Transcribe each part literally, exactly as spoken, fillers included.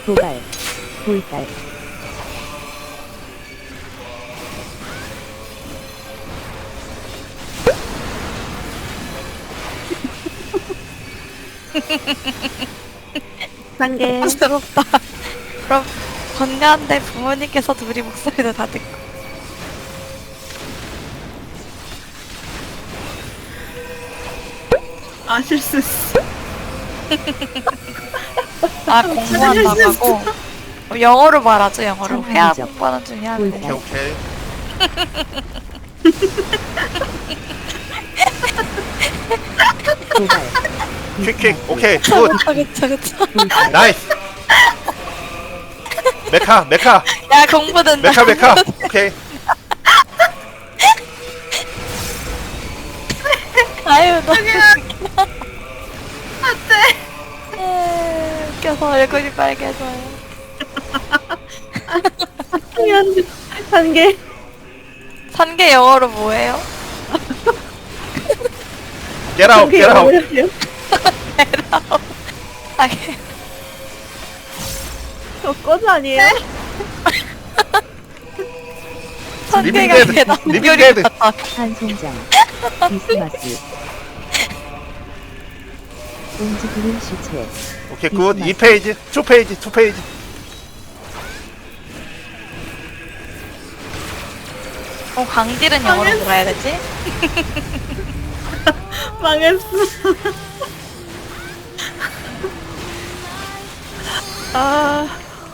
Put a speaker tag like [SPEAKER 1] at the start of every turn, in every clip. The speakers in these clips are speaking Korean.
[SPEAKER 1] 도발, 돌발,
[SPEAKER 2] 단계.
[SPEAKER 3] 부끄럽다. 그럼 건강한데 부모님께서 둘이 목소리도 다 듣고.
[SPEAKER 2] 아, 실수했어.
[SPEAKER 3] 아 공부한다고? 어, 영어로 말하죠 영어로.
[SPEAKER 1] 참
[SPEAKER 3] 회화
[SPEAKER 1] 아니죠.
[SPEAKER 3] 공부하는 중에 한데.
[SPEAKER 1] 돌발.
[SPEAKER 4] 오케이.
[SPEAKER 1] 도발,
[SPEAKER 4] 퀵퀵. 오케이. 굿.
[SPEAKER 3] 그쵸 그쵸 그쵸.
[SPEAKER 1] 돌발,
[SPEAKER 4] 나이스. 메카 메카
[SPEAKER 3] 야 공부된다.
[SPEAKER 4] 메카 메카. 오케이.
[SPEAKER 3] 아유 너무 웃겨. 안돼. 웃겨서 얼굴이 빨개져요.
[SPEAKER 2] 단계.
[SPEAKER 3] 산게 영어로 뭐예요?
[SPEAKER 4] Get out. Get out.
[SPEAKER 3] 아, 게-
[SPEAKER 2] 저 꺼져 아니에요?
[SPEAKER 3] 산게가
[SPEAKER 4] 리빙 데드.
[SPEAKER 3] 대단
[SPEAKER 4] 리빙
[SPEAKER 3] 무결이
[SPEAKER 4] 데드.
[SPEAKER 3] 같다.
[SPEAKER 1] 한송장, 비스마스, 움직이는 시체,
[SPEAKER 4] 오케이 굿. 이 페이지. 이 페이지. 이 페이지.
[SPEAKER 3] 어 강딜은 영어로 뭐라 해야 되지?
[SPEAKER 2] 망했어. 아,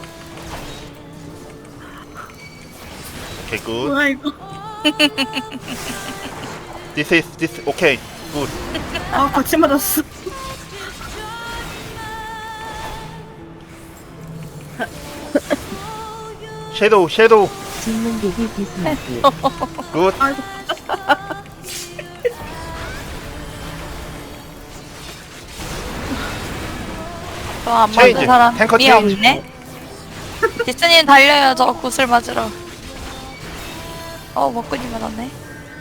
[SPEAKER 4] 오케이 굿.
[SPEAKER 2] 뭐야 이거.
[SPEAKER 4] This is this. 오케이. 굿.
[SPEAKER 2] 아, 같이 맞았어.
[SPEAKER 4] 섀도우 섀도우.
[SPEAKER 1] 진문객이 비스마스,
[SPEAKER 4] 굿.
[SPEAKER 2] 아이고.
[SPEAKER 3] 저안
[SPEAKER 4] 체인지.
[SPEAKER 3] 맞는 사람
[SPEAKER 4] 탱커
[SPEAKER 3] 미
[SPEAKER 4] 체인지.
[SPEAKER 3] 없네. 디스님 달려요. 저 구슬 맞으러. 어 먹군이 맞았네.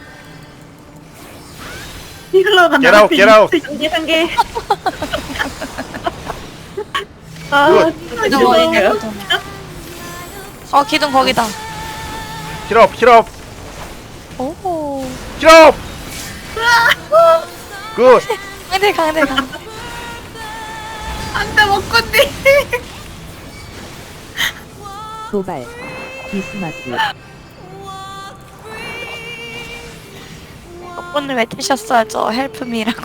[SPEAKER 2] 힐러 간다.
[SPEAKER 4] Get out, get out.
[SPEAKER 2] 단계, 단계. 아,
[SPEAKER 4] 굿.
[SPEAKER 2] 진짜
[SPEAKER 3] 기둥 어디냐?
[SPEAKER 2] 싫어요.
[SPEAKER 3] 기둥. 어 기둥 거기다.
[SPEAKER 4] 힐업 힐업
[SPEAKER 3] 오.
[SPEAKER 4] 힐업. 굿.
[SPEAKER 3] 강대 강대 강대.
[SPEAKER 2] 안돼, 먹건디.
[SPEAKER 1] 도발, 비스마스,
[SPEAKER 3] 오늘 외치셨어야죠. 헬프미라고.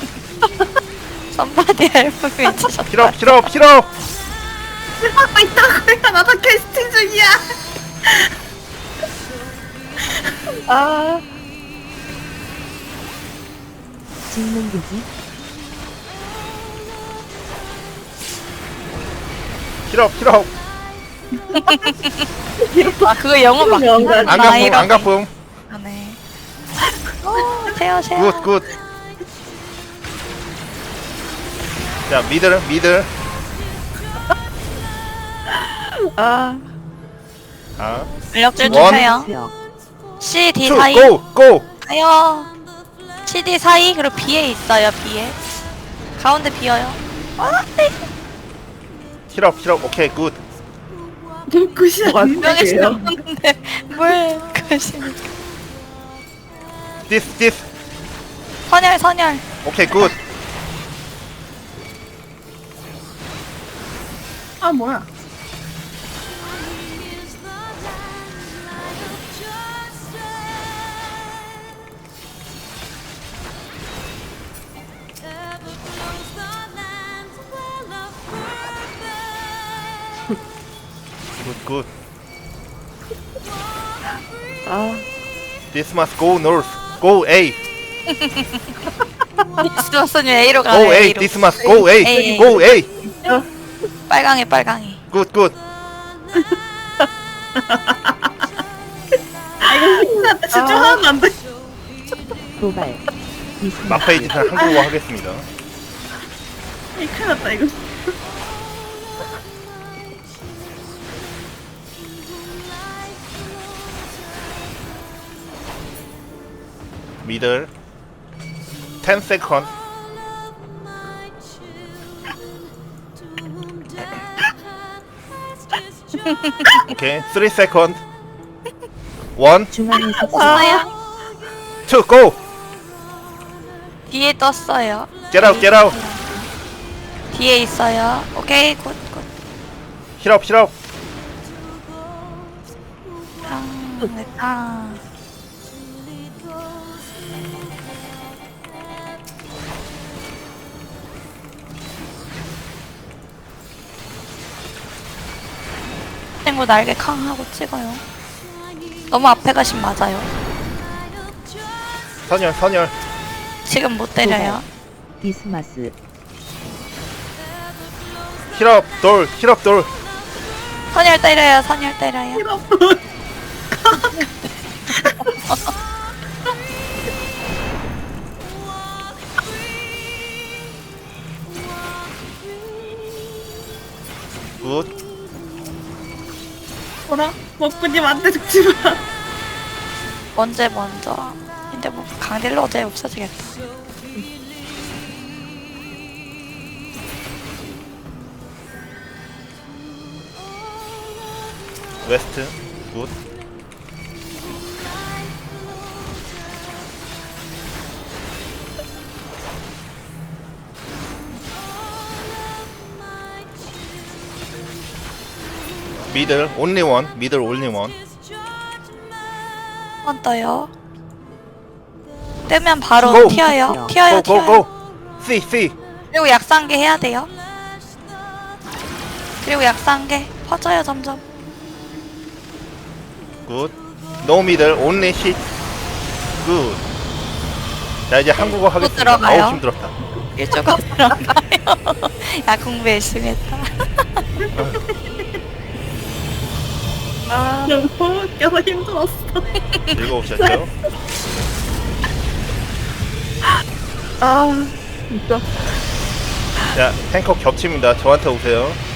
[SPEAKER 3] 선바디 헬프미 외치셨어.
[SPEAKER 4] 힐업 힐업 힐업.
[SPEAKER 2] 하고 있다고요. 나도 캐스팅 중이야. 아,
[SPEAKER 1] 진문객이
[SPEAKER 4] 힐업 힐업.
[SPEAKER 3] 아 그거 영어 막.
[SPEAKER 2] 영어가
[SPEAKER 4] 안가품 안가품.
[SPEAKER 3] 네. 오 세요 세요.
[SPEAKER 4] 굿 굿. 자 미들 미들.
[SPEAKER 2] 아,
[SPEAKER 4] 아.
[SPEAKER 3] 전력질
[SPEAKER 4] 원.
[SPEAKER 3] 주세요.
[SPEAKER 1] 수역,
[SPEAKER 3] C, D
[SPEAKER 4] 투
[SPEAKER 3] 사이.
[SPEAKER 4] 고 고.
[SPEAKER 3] 가요. C, D 사이 그리고 B에 있어요. B에. 가운데 비어요. 아, 네.
[SPEAKER 4] 힐업 힐업. 오케이 굿.
[SPEAKER 2] 눈끝이
[SPEAKER 3] 명예
[SPEAKER 2] 아니에요.
[SPEAKER 3] 신었는데 뭘 그러시니?
[SPEAKER 4] This this.
[SPEAKER 3] 선열 선열.
[SPEAKER 4] 오케이 굿.
[SPEAKER 2] 아, 뭐야.
[SPEAKER 4] 굿 굿.
[SPEAKER 2] 아,
[SPEAKER 4] This must go north. Go A.
[SPEAKER 3] 스마스님 A로 가요.
[SPEAKER 4] Go A.
[SPEAKER 3] A로.
[SPEAKER 4] This must go A.
[SPEAKER 3] A.
[SPEAKER 4] Go A.
[SPEAKER 3] 빨강이 빨강이.
[SPEAKER 4] 굿 굿.
[SPEAKER 2] 아, 이거 힘들다. 집중하면 안 돼.
[SPEAKER 1] 도발, 비스마스,
[SPEAKER 4] 마페이지는 한국어 하겠습니다.
[SPEAKER 2] 이 큰일 났다, 이거.
[SPEAKER 4] 미들. ten second. 오케이 쓰리 세컨드 원
[SPEAKER 1] 중앙에서
[SPEAKER 3] 떴어요.
[SPEAKER 4] 투 고!
[SPEAKER 3] 뒤에 떴어요.
[SPEAKER 4] Get out get out
[SPEAKER 3] 뒤에 있어요. 오케이 굿 굿.
[SPEAKER 4] 힐업 힐업
[SPEAKER 3] 탕, 네, 탕. 친구 날개 캉 하고 찍어요. 너무 앞에 가시면 맞아요.
[SPEAKER 4] 선열 선열
[SPEAKER 3] 지금 못 때려요.
[SPEAKER 1] 디스마스
[SPEAKER 4] 힐업 돌 힐업 돌
[SPEAKER 3] 선열 때려요. 선열 때려요.
[SPEAKER 4] 굿
[SPEAKER 2] 뭐라? 먹구님 안돼 죽지 마.
[SPEAKER 3] 언제 먼저. 근데 뭐 강딜러 어제 없어지겠다.
[SPEAKER 4] 웨스트 굿 미들 온리 원 미들 온리 원
[SPEAKER 3] 한 번 떠요. 뜨면 바로
[SPEAKER 4] 고!
[SPEAKER 3] 튀어요. 튀어요. 튀어요.
[SPEAKER 4] 고고고 C C
[SPEAKER 3] 그리고 약상계 해야 돼요. 그리고 약상계 퍼져요 점점.
[SPEAKER 4] 굿 노 미들 온리 힛 굿 자 이제 한국어 하겠습니다.
[SPEAKER 3] 들어가요.
[SPEAKER 4] 어우 힘들었다.
[SPEAKER 3] 일주가 들어가요. 야 공부 열심히 했다.
[SPEAKER 2] 아 너무 웃겨서 힘들었어.
[SPEAKER 4] 즐거우셨죠?
[SPEAKER 2] 아 진짜.
[SPEAKER 4] 자 탱커 겹칩니다. 저한테 오세요.